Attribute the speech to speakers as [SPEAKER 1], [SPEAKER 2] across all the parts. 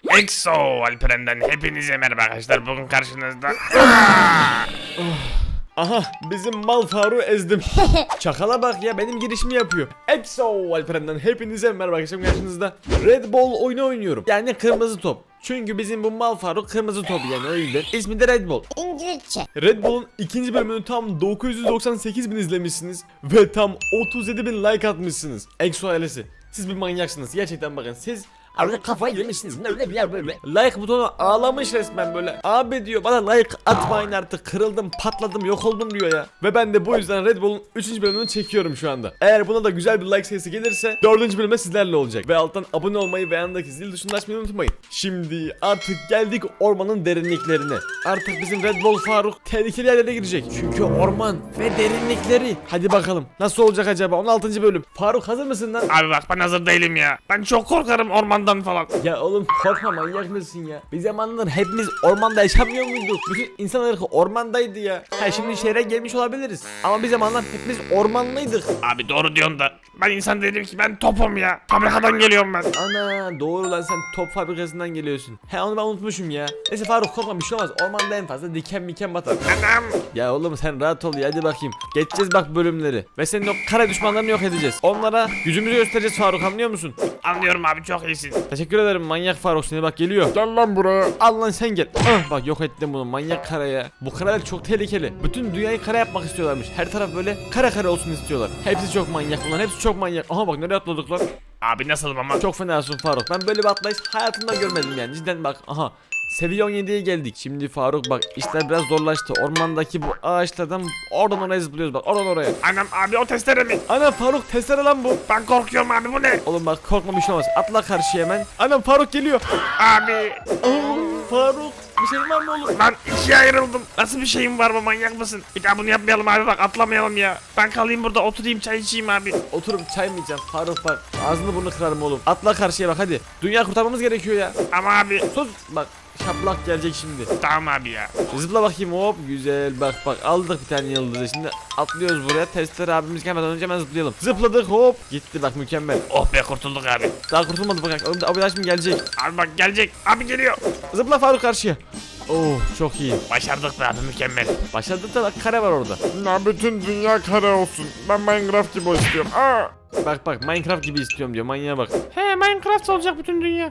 [SPEAKER 1] Exo Alperen'den hepinize merhaba arkadaşlar. Bugün karşınızda
[SPEAKER 2] Aha bizim mal Faruk'u ezdim. Çakala bak ya, benim girişimi yapıyor. Exo Alperen'den hepinize merhaba arkadaşlar, karşınızda Red Ball oyunu oynuyorum. Yani kırmızı top. Çünkü bizim bu mal Faruk kırmızı top, yani o yüzden ismi de Red Ball.
[SPEAKER 3] İngilizce.
[SPEAKER 2] Red Bull'un ikinci bölümünü tam 998 bin izlemişsiniz ve tam 37 bin like atmışsınız. Exo ailesi, siz bir manyaksınız gerçekten, bakın siz
[SPEAKER 3] Arada kafayı yemişsiniz. Öyle bir yer böyle.
[SPEAKER 2] like butonu ağlamış resmen böyle. Abi diyor, bana like atmayın artık, kırıldım patladım yok oldum diyor ya. Ve ben de bu yüzden Red Bull'un 3. bölümünü çekiyorum şu anda. Eğer buna da güzel bir like sayısı gelirse 4. bölüme sizlerle olacak. Ve alttan abone olmayı ve yanındaki zil tuşunu açmayı unutmayın. Şimdi artık geldik ormanın derinliklerine. Artık bizim Red Bull Faruk tehlikeli yerlere girecek. Çünkü orman ve derinlikleri. Hadi bakalım nasıl olacak acaba 16. bölüm. Faruk hazır mısın lan?
[SPEAKER 1] Abi bak, ben hazır değilim ya. Ben çok korkarım ormandan falan.
[SPEAKER 2] Ya oğlum korkma, manyak mısın ya? Bir zamanlar hepimiz ormanda yaşamıyor muyduk? Bütün insan ırkı ormandaydı ya. Ha şimdi şehre gelmiş olabiliriz. Ama bir zamanlar hepimiz ormanlıydık.
[SPEAKER 1] Abi doğru diyorsun da ben insan değilim ki, ben topum ya. Fabrikadan geliyorum ben.
[SPEAKER 2] Ana doğru lan, sen top fabrikasından geliyorsun. He onu ben unutmuşum ya. Neyse Faruk korkma, bir şey olmaz. Ormanda en fazla diken miken batar.
[SPEAKER 1] Anam.
[SPEAKER 2] Ya oğlum sen rahat ol ya, hadi bakayım. Geçeceğiz bak bölümleri. Ve senin o kara düşmanlarını yok edeceğiz. Onlara gücümüzü göstereceğiz Faruk, anlıyor musun?
[SPEAKER 1] Anlıyorum abi, çok iyisin.
[SPEAKER 2] Teşekkür ederim manyak Faruk, seni bak geliyor.
[SPEAKER 1] Gel lan buraya.
[SPEAKER 2] Al lan sen gel. Ah, bak yok ettim bunu, manyak kara ya. Bu karalar çok tehlikeli. Bütün dünyayı kara yapmak istiyorlarmış. Her taraf böyle kara kara olsun istiyorlar. Hepsi çok manyak bunlar, hepsi çok manyak. Aha bak nereye atladık lan.
[SPEAKER 1] Abi nasılım ama?
[SPEAKER 2] Çok fenasın Faruk. Ben böyle bir atlayış hayatımda görmedim yani. Cidden bak aha. Seviye 17'ye geldik. Şimdi Faruk bak, işler biraz zorlaştı. Ormandaki bu ağaçlardan oradan oraya zıplıyoruz bak, oradan oraya.
[SPEAKER 1] Anam abi, o testere mi?
[SPEAKER 2] Ana Faruk testere lan bu.
[SPEAKER 1] Ben korkuyorum abi, bu ne?
[SPEAKER 2] Oğlum bak korkma, bir şey olmaz. Atla karşıya hemen. Anam Faruk geliyor.
[SPEAKER 1] Abi
[SPEAKER 2] Faruk bir şey var mı oğlum?
[SPEAKER 1] ben ikiye ayrıldım. Nasıl bir şeyim var bu, manyak mısın? Bir daha bunu yapmayalım abi, bak atlamayalım ya. Ben kalayım burada, oturayım çay içeyim abi.
[SPEAKER 2] Oturup çay mı içeceğim Faruk, bak ağzını burnunu kırarım oğlum. Atla karşıya bak hadi. Dünya kurtarmamız gerekiyor ya.
[SPEAKER 1] Ama abi
[SPEAKER 2] Sus bak, şaplak gelecek şimdi.
[SPEAKER 1] tamam abi ya.
[SPEAKER 2] Zıpla bakayım, hop güzel, bak bak aldık bir tane yıldızı. Şimdi atlıyoruz buraya, testler abimiz gelmeden önce hemen zıplayalım. Zıpladık, hop gitti bak, mükemmel.
[SPEAKER 1] Oh be, kurtulduk abi.
[SPEAKER 2] Daha kurtulmadı bak, abi şimdi gelecek.
[SPEAKER 1] Abi bak gelecek. Abi geliyor.
[SPEAKER 2] Zıpla Faruk karşıya. Oh çok iyi.
[SPEAKER 1] Başardık be abi, mükemmel.
[SPEAKER 2] Başladık da bak, kare var orada.
[SPEAKER 1] Ya bütün dünya kare olsun. Ben Minecraft gibi istiyorum. Aa.
[SPEAKER 2] Bak bak Minecraft gibi istiyorum diyor, manyağa bak.
[SPEAKER 1] He, Minecraft olacak bütün dünya.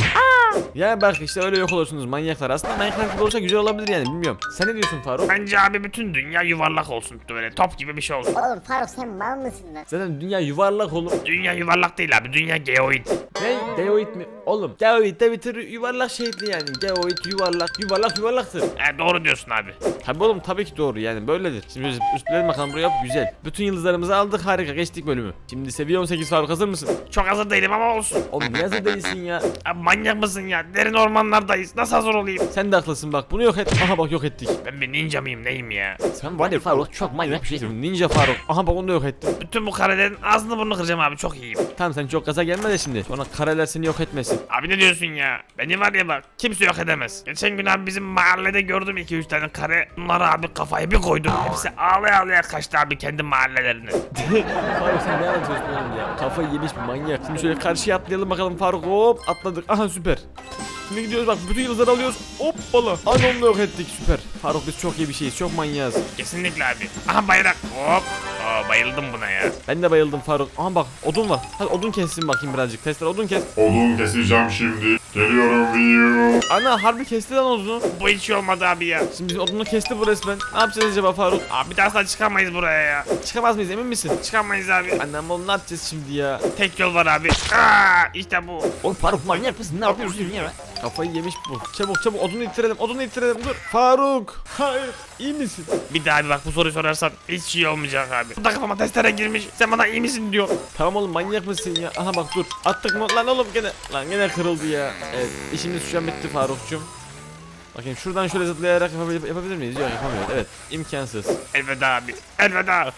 [SPEAKER 2] Ya bak işte öyle yok olursunuz manyaklar. Aslında Minecraft gibi olsa güzel olabilir yani, bilmiyorum. Sen ne diyorsun Faruk?
[SPEAKER 1] Bence abi bütün dünya yuvarlak olsun. Böyle top gibi bir şey olsun.
[SPEAKER 3] Oğlum Faruk sen mal mısın lan?
[SPEAKER 2] Zaten dünya yuvarlak oğlum.
[SPEAKER 1] Dünya yuvarlak değil abi. Dünya geoid.
[SPEAKER 2] Ne? Geoid mi? Oğlum geoid de bir tür yuvarlak şeydi yani. Geoid yuvarlak, yuvarlak yuvarlaktır.
[SPEAKER 1] He, doğru diyorsun abi.
[SPEAKER 2] Tabi oğlum, tabii ki doğru yani, böyledir. Şimdi biz üstleyelim bakalım buraya, güzel. Bütün yıldızlarımızı aldık, harika, geçtik bölümü. Şimdi seviye 18 Faruk, hazır mısın?
[SPEAKER 1] Çok hazır değilim ama olsun.
[SPEAKER 2] Oğlum niye hazır değilsin ya?
[SPEAKER 1] Abi manyak mısın ya? Derin ormanlardayız. Nasıl hazır olayım?
[SPEAKER 2] Sen de haklısın bak, bunu yok et. Aha bak yok ettik.
[SPEAKER 1] Ben bir ninja mıyım, neyim ya?
[SPEAKER 2] Sen var ya Faruk, çok manyak bir şeysin. Ninja Faruk. Aha bak onu da yok ettim.
[SPEAKER 1] Bütün bu karelerin ağzını burnunu kıracağım abi, çok iyiyim.
[SPEAKER 2] Tamam sen çok gaza gelme de şimdi. Sonra kareler seni yok etmesin.
[SPEAKER 1] Abi ne diyorsun ya? Beni var ya bak, kimse yok edemez. Geçen gün abi bizim mahallede gördüm 2-3 tane kare. Bunlara abi kafayı bir koydum. Hepsi ağlaya ağlaya kaçtı abi kendi mahallelerine.
[SPEAKER 2] Faruk sen ne anlatıyorsun oğlum ya? Kafayı yemiş bir manyak. Şimdi şöyle karşıya atlayalım bakalım Faruk, hop atladık. Aha süper. Şimdi gidiyoruz bak, bütün yıldızları alıyoruz. Hoppala. Hani onu da yok ettik, süper. Faruk biz çok iyi bir şeyiz, çok manyağız.
[SPEAKER 1] Kesinlikle abi. Aha bayrak. Hop. Aa, bayıldım buna ya.
[SPEAKER 2] Ben de bayıldım Faruk. Aha bak odun var. Hadi odun kessin bakayım birazcık. Testler odun kes.
[SPEAKER 4] Odun keseceğim şimdi. Geliyorum Viyu.
[SPEAKER 2] Ana harbi kesti lan odunu.
[SPEAKER 1] Bu hiç iyi olmadı abi ya.
[SPEAKER 2] Şimdi bizim odunu kesti bu resmen. Ne yapacağız acaba Faruk?
[SPEAKER 1] Abi bir daha asla çıkamayız buraya ya.
[SPEAKER 2] Çıkamaz mıyız, emin misin?
[SPEAKER 1] Çıkamayız abi.
[SPEAKER 2] Annem oğlum ne yapacağız şimdi ya?
[SPEAKER 1] Tek yol var abi. Aa, işte bu.
[SPEAKER 3] Oğlum Faruk manyak mısın? Ne yapıyorsun ya?
[SPEAKER 2] Kafayı yemiş bu. Çabuk çabuk odunu ittirelim, odunu ittirelim. Dur. Faruk. Hayır. İyi misin?
[SPEAKER 1] Bir daha bir bak, bu soruyu sorarsan hiç iyi olmayacak abi. Bu da kafama testere girmiş. Sen bana iyi misin diyor.
[SPEAKER 2] Tamam oğlum, manyak mısın ya? Aha bak dur. Attık mı? Lan oğlum gene. Lan gene kırıldı ya. Evet, işimiz şu an bitti Faruk'cum. Bakayım şuradan şöyle zıplayarak yapabilir miyiz? Yok yapamıyoruz. Evet, imkansız.
[SPEAKER 1] Elveda abi. Elveda.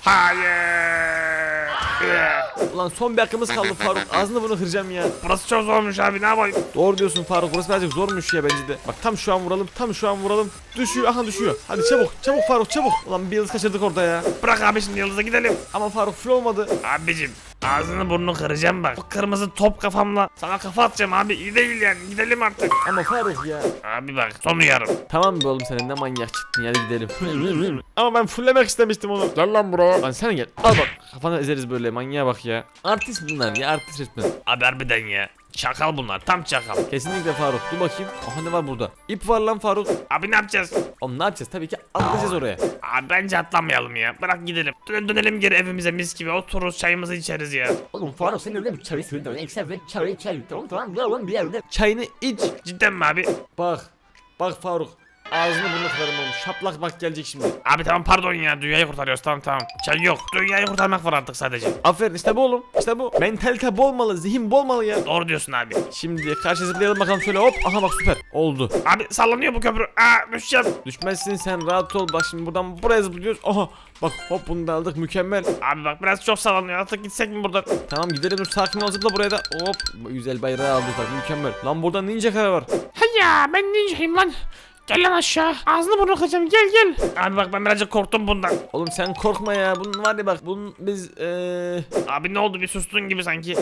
[SPEAKER 1] Hayır.
[SPEAKER 2] Ulan son bir hakkımız kaldı Faruk. Ağzını bunu kıracağım ya.
[SPEAKER 1] Burası çok zormuş abi, ne yapayım?
[SPEAKER 2] Doğru diyorsun Faruk. Burası birazcık zormuş ya bence de. Bak tam şu an vuralım. Tam şu an vuralım. Düşüyor. Aha düşüyor. Hadi çabuk. Çabuk Faruk çabuk. Ulan bir yıldız kaçırdık orada ya.
[SPEAKER 1] Bırak abi şimdi yıldıza gidelim.
[SPEAKER 2] Ama Faruk full olmadı.
[SPEAKER 1] Abicim Ağzını burnunu kıracağım bak. Bu kırmızı top kafamla sana kafa atacağım abi. İyi değil yani. Gidelim artık.
[SPEAKER 2] Ama Faruk ya.
[SPEAKER 1] Abi bak son uyarım.
[SPEAKER 2] Tamam be oğlum, sen ne manyak çıktın, hadi gidelim. Ama ben fullemek istemiştim onu.
[SPEAKER 4] Gel lan buraya.
[SPEAKER 2] Lan sen gel. Al bak, kafana ezeriz böyle, manyağa bak ya. Artist bunlar ya, artist resmen.
[SPEAKER 1] Abi harbiden ya. Çakal bunlar. Tam çakal.
[SPEAKER 2] Kesinlikle Faruk. Dur bakayım. Aha, ne var burada? İp var lan Faruk.
[SPEAKER 1] Abi ne yapacağız?
[SPEAKER 2] Oğlum ne yapacağız? Tabii ki atlayacağız oraya.
[SPEAKER 1] Abi bence atlamayalım ya. Bırak gidelim. Dönelim geri evimize mis gibi. Otururuz çayımızı içeriz ya.
[SPEAKER 3] Oğlum Faruk sen öyle bir çay söylüyorsun. Eksen ve çay tamam lan bir yerde.
[SPEAKER 2] Çayını iç.
[SPEAKER 1] Cidden mi abi?
[SPEAKER 2] Bak. Bak Faruk. Ağzını burnunu kırarım oğlum. Şaplak bak gelecek şimdi.
[SPEAKER 1] Abi tamam pardon ya. Dünyayı kurtarıyoruz. Tamam. Çay yok. Dünyayı kurtarmak var artık sadece.
[SPEAKER 2] Aferin, işte bu oğlum. İşte bu. Mentalite bol olmalı. Zihin bol olmalı ya.
[SPEAKER 1] Doğru diyorsun abi.
[SPEAKER 2] Şimdi karşı zıplayalım bakalım şöyle, hop. Aha bak, süper. Oldu.
[SPEAKER 1] Abi sallanıyor bu köprü. Aa düşeceğim.
[SPEAKER 2] Düşmezsin sen, rahat ol. Bak şimdi buradan buraya zıplıyoruz. Aha. Bak hop, bunu da aldık, mükemmel.
[SPEAKER 1] Abi bak biraz çok sallanıyor. Artık gitsek mi buradan?
[SPEAKER 2] Tamam gidelim, dur sakin ol, zıpla buraya da. Hop. Güzel bayrağı aldık bak, mükemmel. Lan burada ninja kare var.
[SPEAKER 1] Hay ya ben ninjayım lan. Gel lan aşağı. Ağzını burnunu kıracağım. Gel. Abi bak ben birazcık korktum bundan.
[SPEAKER 2] Oğlum sen korkma ya. Bunun var ya bak,
[SPEAKER 1] Abi ne oldu bir sustun gibi sanki.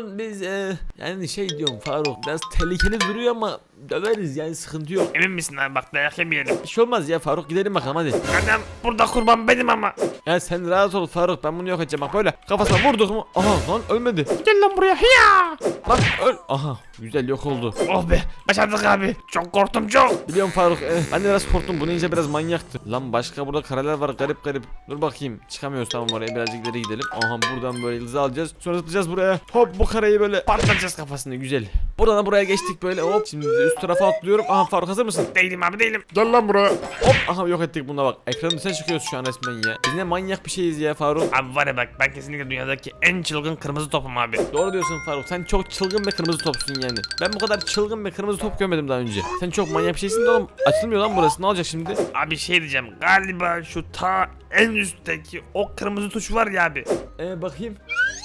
[SPEAKER 2] yani şey diyorum Faruk, biraz tehlikeli duruyor ama döveriz yani, sıkıntı yok.
[SPEAKER 1] Emin misin abi bak dayak yemeyelim.
[SPEAKER 2] Bir şey olmaz ya Faruk, gidelim bakalım hadi.
[SPEAKER 1] Adam burada kurban benim ama.
[SPEAKER 2] Ya sen rahat ol Faruk, ben bunu yok edeceğim bak, böyle kafasına vurduk mu? Aha lan ölmedi.
[SPEAKER 1] Gel lan buraya. Hiya.
[SPEAKER 2] Lan öl. Aha güzel, yok oldu.
[SPEAKER 1] Oh be başardık abi. Çok korktum çok.
[SPEAKER 2] Biliyorum Faruk, ben de biraz korktum, bu ninja biraz manyaktı. Lan başka burada kareler var, garip garip. Dur bakayım, çıkamıyoruz, tamam oraya birazcık ileri gidelim. Aha buradan böyle yıldızı alacağız, sonra zıplayacağız buraya. Hop, bu kareyi böyle patlatacağız kafasını, güzel. Buradan da buraya geçtik böyle, hop. Şimdi üst tarafa atlıyorum. Aha Faruk, hazır mısın?
[SPEAKER 1] Değilim abi değilim.
[SPEAKER 4] Gel lan buraya.
[SPEAKER 2] Hop, aha yok ettik buna bak. Ekranın dışına çıkıyoruz şu an resmen ya. Biz ne manyak bir şeyiz ya Faruk.
[SPEAKER 1] Abi var ya bak ben kesinlikle dünyadaki en çılgın kırmızı topum abi.
[SPEAKER 2] Doğru diyorsun Faruk. Sen çok çılgın ve kırmızı topsun yani. Ben bu kadar çılgın ve kırmızı top görmedim daha önce. Sen çok manyak bir şeysin de oğlum. Açılmıyor lan burası. Ne olacak şimdi?
[SPEAKER 1] Abi şey diyeceğim galiba şu ta en üstteki o kırmızı tuş var ya abi.
[SPEAKER 2] Bakayım.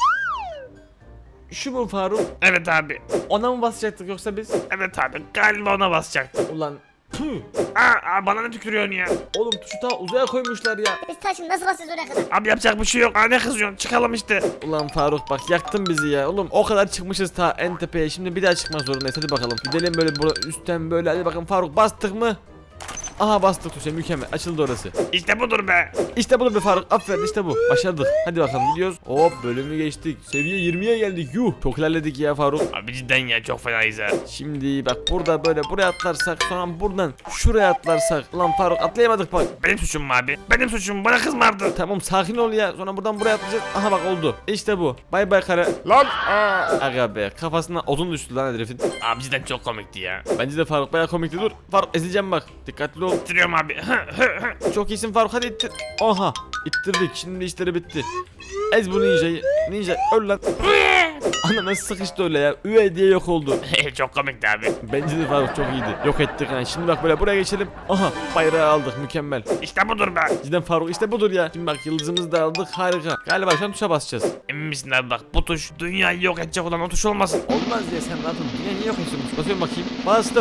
[SPEAKER 2] Şu mu Faruk?
[SPEAKER 1] Evet abi.
[SPEAKER 2] Ona mı basacaktık yoksa biz?
[SPEAKER 1] Evet abi galiba ona basacaktım.
[SPEAKER 2] Ulan tüh.
[SPEAKER 1] Aa bana ne tükürüyorsun ya?
[SPEAKER 2] Oğlum tuşu ta uzaya koymuşlar ya.
[SPEAKER 3] Biz taşın nasıl basacağız oraya kadar?
[SPEAKER 1] Abi yapacak bir şey yok. Aa ne kızıyorsun? Çıkalım işte.
[SPEAKER 2] Ulan Faruk bak, yaktın bizi ya. Oğlum o kadar çıkmışız ta en tepeye. Şimdi bir daha çıkmak zorundayız. Hadi bakalım. Gidelim böyle üstten böyle. Hadi bakalım Faruk, bastık mı? Aha bastık tuşa, mükemmel. Açıldı orası.
[SPEAKER 1] İşte budur be.
[SPEAKER 2] İşte budur be Faruk, aferin, işte bu. Başardık. Hadi bakalım gidiyoruz. Hop, bölümü geçtik. Seviye 20'ye geldik. Yuh. Çok ilerledik ya Faruk.
[SPEAKER 1] Abi cidden ya çok fenayız ha.
[SPEAKER 2] Şimdi bak, burada böyle buraya atlarsak, sonra buradan şuraya atlarsak. Lan Faruk, atlayamadık bak.
[SPEAKER 1] Benim suçum mu abi? Benim suçum. Bana kızmardın.
[SPEAKER 2] Tamam sakin ol ya. Sonra buradan buraya atlayacağız. Aha bak oldu. İşte bu. Bay bay kare.
[SPEAKER 4] Lan. Aa.
[SPEAKER 2] Aga be, kafasına odun düştü lan herifin.
[SPEAKER 1] Abi cidden çok komikti ya.
[SPEAKER 2] Bence de Faruk bayağı komikti. Dur Faruk, ezileceğim bak. Dikkatli ol.
[SPEAKER 1] Bitiriyorum abi.
[SPEAKER 2] Çok iyisin Faruk, hadi ittir. Aha ittirdik, şimdi işleri bitti. Ez bu ninjayı. Ninja öl lan. Ana nasıl sıkıştı öyle ya. Üve diye yok oldu.
[SPEAKER 1] Çok komikti abi.
[SPEAKER 2] Bence de Faruk çok iyiydi. Yok ettik yani. Şimdi bak böyle buraya geçelim. Aha bayrağı aldık, mükemmel.
[SPEAKER 1] İşte budur be.
[SPEAKER 2] Cidden Faruk, işte budur ya. Şimdi bak, yıldızımızı da aldık, harika. Galiba şu an tuşa basacağız.
[SPEAKER 1] Emin misin abi bak bu tuş dünyayı yok edecek olan o tuş olmasın.
[SPEAKER 2] Olmaz ya, sen rahatım. Dünya niye yok ediyorsun? Basıyorum bakayım. Bastım.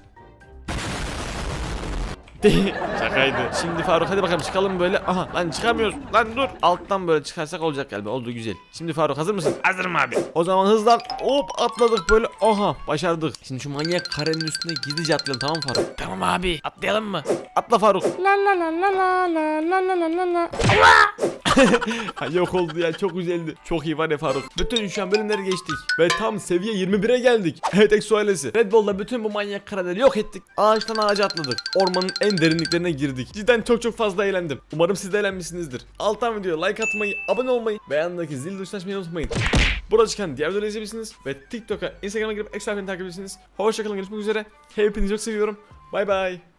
[SPEAKER 2] Şakaydı. Şimdi Faruk hadi bakalım çıkalım böyle. Aha lan çıkamıyoruz. Lan dur. Alttan böyle çıkarsak olacak galiba. Oldu, güzel. Şimdi Faruk hazır mısın?
[SPEAKER 1] Hazırım abi.
[SPEAKER 2] O zaman hızlan. Hop atladık böyle. Aha başardık. Şimdi şu manyak karenin üstüne gizlice atlayalım, tamam mı Faruk?
[SPEAKER 1] Tamam abi atlayalım mı?
[SPEAKER 2] Atla Faruk.
[SPEAKER 1] La la la la la la la la la la.
[SPEAKER 2] Ha, yok oldu ya, çok güzeldi. Çok iyi var ya Faruk. Bütün şu an bölümleri geçtik. Ve tam seviye 21'e geldik. Evet Exo ailesi. Red Bull'da bütün bu manyak kareleri yok ettik. Ağaçtan ağaca atladık. Ormanın en derinliklerine girdik. Cidden çok fazla eğlendim. Umarım siz de eğlenmişsinizdir. Alttan videoya like atmayı, abone olmayı ve yanındaki zil tuşuna açmayı unutmayın. Burada çıkan diğer videoları izleyebilirsiniz. Ve TikTok'a, Instagram'a girip Exo aileni takip edebilirsiniz. Hoşçakalın, görüşmek üzere. Hepinizi çok seviyorum. Bay bay.